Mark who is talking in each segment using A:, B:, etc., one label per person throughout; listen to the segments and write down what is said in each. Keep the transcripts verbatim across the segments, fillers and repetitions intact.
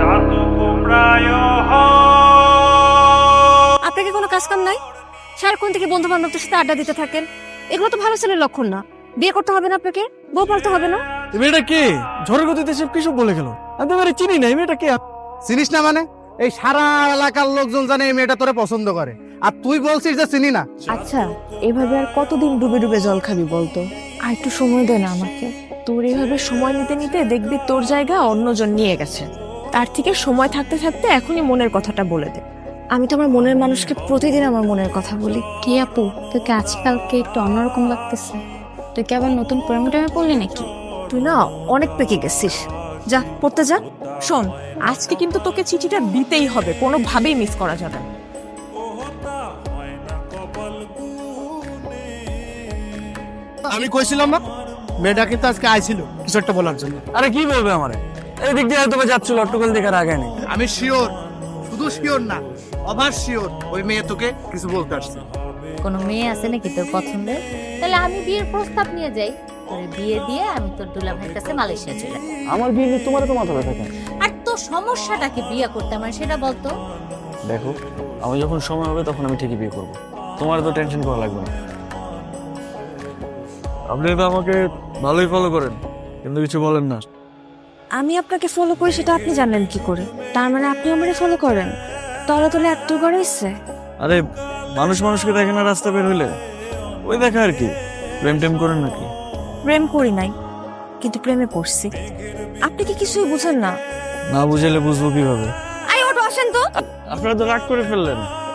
A: আপনাকে কোনো কাজ কাম নাই? সারাক্ষণ থেকে বন্ধু বান্ধবদের সাথে আড্ডা দিতে থাকেন, এগুলো তো ভালো ছেলের লক্ষণ না। বিয়ে করতে হবে না আপনাকে, বউ পালতে হবে না।
B: এই মেয়েটা কে? ঝড়ের গতিতে সব কিছু বলে গেল। আমি তো এবারে চিনি না। এই মেয়েটা কে?
C: চিনিস না মানে? এই সারা এলাকার লোকজন জানে এই মেয়েটা তোরে পছন্দ করে, আর তুই বলছিস যে চিনি না।
A: আচ্ছা, এভাবে আর কতদিন ডুবে ডুবে জল খাবি বলতো? আর একটু সময় দে না আমাকে। তোর এইভাবে সময় নিতে নিতে দেখবি তোর জায়গা অন্যজন নিয়ে গেছে। তার থেকে সময় থাকতে থাকতে এখনই মনের কথাটা বলে দে। আমি তো আমার মনের মানুষকে প্রতিদিন আমার মনের কথা বলি।
D: কি আপু, তোকে আজকালকে একটু অন্যরকম লাগতেছে। তুই কি আবার নতুন প্রেমে টেমে পড়লি নাকি?
A: তুই না অনেক পেকে গেছিস। যা পড়তে যা। শোন, আজকে কিন্তু তোকে চিঠিটা দিতেই হবে, কোনোভাবেই মিস করা যাবে না।
C: আমি কইছিলাম না মেয়েটা কিন্তু আজকে আইছিল কিছু একটা বলার জন্য।
B: আরে কি বলবে আমারে? এই দিক দিয়ে হয়তো বা যাচ্ছিল, অট্টকল দেখার আগে নেই।
C: আমি শিওর, শুধু শিওর না, অভার শিওর ওই মেয়ে তোকে কিছু বলতে আসছে।
D: কোনো মেয়ে আছে নাকি তোর পছন্দের? তাহলে আমি বিয়ের প্রস্তাব নিয়ে যাই, তোর বিয়ে দিয়ে আমি তোর দুলা ভাইয়ের কাছে মালয়েশিয়া চলে যাই।
B: আমার বিয়ে নিয়ে তোমার তো মাথা ব্যথা কেন?
D: আর তোর সমস্যাটাকে বিয়ে করতে আমার সেটা বলতো।
B: দেখো, আমি যখন সময় হবে তখন আমি ঠিকই বিয়ে করবো। তোমার তো টেনশন করা লাগবে না। আপনি তো আমাকে ভালোই ফলো করেন, কিন্তু কিছু বলেন না।
A: আমি আপনাকে ফলো করি সেটা আপনি জানেন কি করে? তার মানে আপনি আমারে ফলো করেন? তলে তলে এত করে ইচ্ছে?
B: আরে মানুষ মানুষকে দেখে না রাস্তা বের হইলে, ওই দেখা আর কি। প্রেম টেম করেন নাকি?
A: প্রেম করি নাই, কিন্তু প্রেমে পড়ছি। আপনি কি কিছুই বুঝেন না?
B: না বুঝাইলে বুঝবো কিভাবে?
A: আই অটো আসেন তো।
B: আপনারা তো রাগ করে ফেললেন।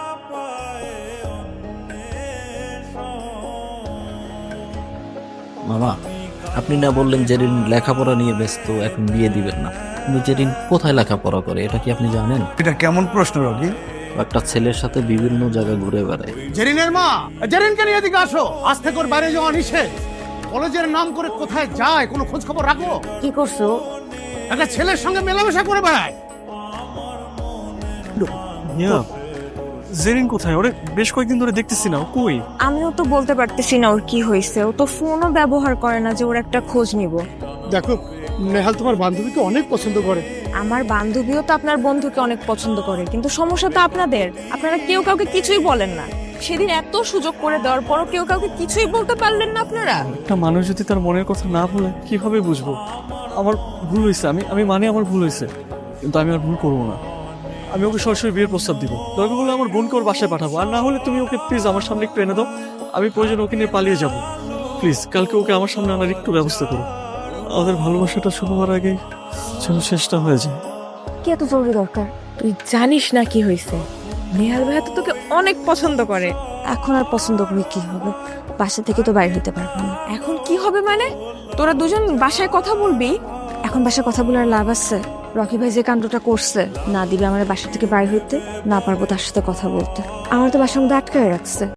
E: মামা, আপনি না বললেন জেরিন লেখাপড়া নিয়ে ব্যস্ত, এখন বিয়ে দিবেন না। কিন্তু জেরিন কোথায় লেখাপড়া করে এটা কি আপনি জানেন?
C: এটা কেমন প্রশ্ন রকি?
E: একটা ছেলের সাথে বিভিন্ন জায়গায় ঘুরে বেড়ায়।
C: জেরিনের মা, জেরিনকে নিয়ে এদিকে আসো। আজ থেকে ওর বাইরে যাওয়া নিষেধ। কলেজের নাম করে কোথায় যায় কোনো খোঁজ খবর রাখো?
A: কি করছো?
C: একটা ছেলের সঙ্গে মেলামেশা করে বেড়ায়।
B: জেরিন কোথায়? ওরে বেশ কয়েকদিন ধরে দেখতেছি না, ও কই?
A: আমিও তো বলতে পারতেছি না ওর কি হয়েছে। ও তো ফোনও ব্যবহার করে না যে ওর একটা খোঁজ নিব।
C: দেখো, নেহাল তোমার বান্ধবীকে অনেক পছন্দ করে।
A: আমার বান্ধবীও তো আপনার বন্ধুকে অনেক পছন্দ করে, কিন্তু সমস্যা তো আপনাদের। আপনারা কেউ কাউকে কিছুই বলেন না। সেদিন এত সুযোগ করে দেওয়ার পরও কেউ কাউকে কিছুই বলতে পারলেন না আপনারা।
B: একটা মানুষ যদি তার মনের কথা না বলে কিভাবে বুঝবো? আমার ভুল হয়েছে, আমি আমি মানে আমার ভুল হয়েছে, কিন্তু আমি আর ভুল করবো না। আমি ওকে সরাসরি বিয়ের প্রস্তাব দিব। দরকার হলে আমার বোনকে ওর বাসায় পাঠাবো, আর না হলে তুমি ওকে প্লিজ আমার সামনে একটু এনে দাও। আমি প্রয়োজন ওকে নিয়ে পালিয়ে যাব। প্লিজ কালকে ওকে আমার সামনে আনার একটু ব্যবস্থা করো। আমাদের ভালোবাসাটা শুরু হওয়ার আগে যেন শেষটা হয়ে যায়।
A: কি এত জরুরি দরকার? তুই জানিস না কি হয়েছে? নেহাল ভাইয়া তো তোকে অনেক পছন্দ করে। এখন আর পছন্দ করে কি হবে? বাসা থেকে তো বাইরে হতে পারবো না। এখন কি হবে মানে? তোরা দুজন বাসায় কথা বলবি? এখন বাসায় কথা বলার লাভ আছে? রকি ভাই যে কাণ্ডটা করছে, না দিবে আমার বাসা থেকে বাইরে হইতে, না পারবো তার সাথে কথা বলতে। আমার তো বাসার মধ্যে আটকায় রাখছে।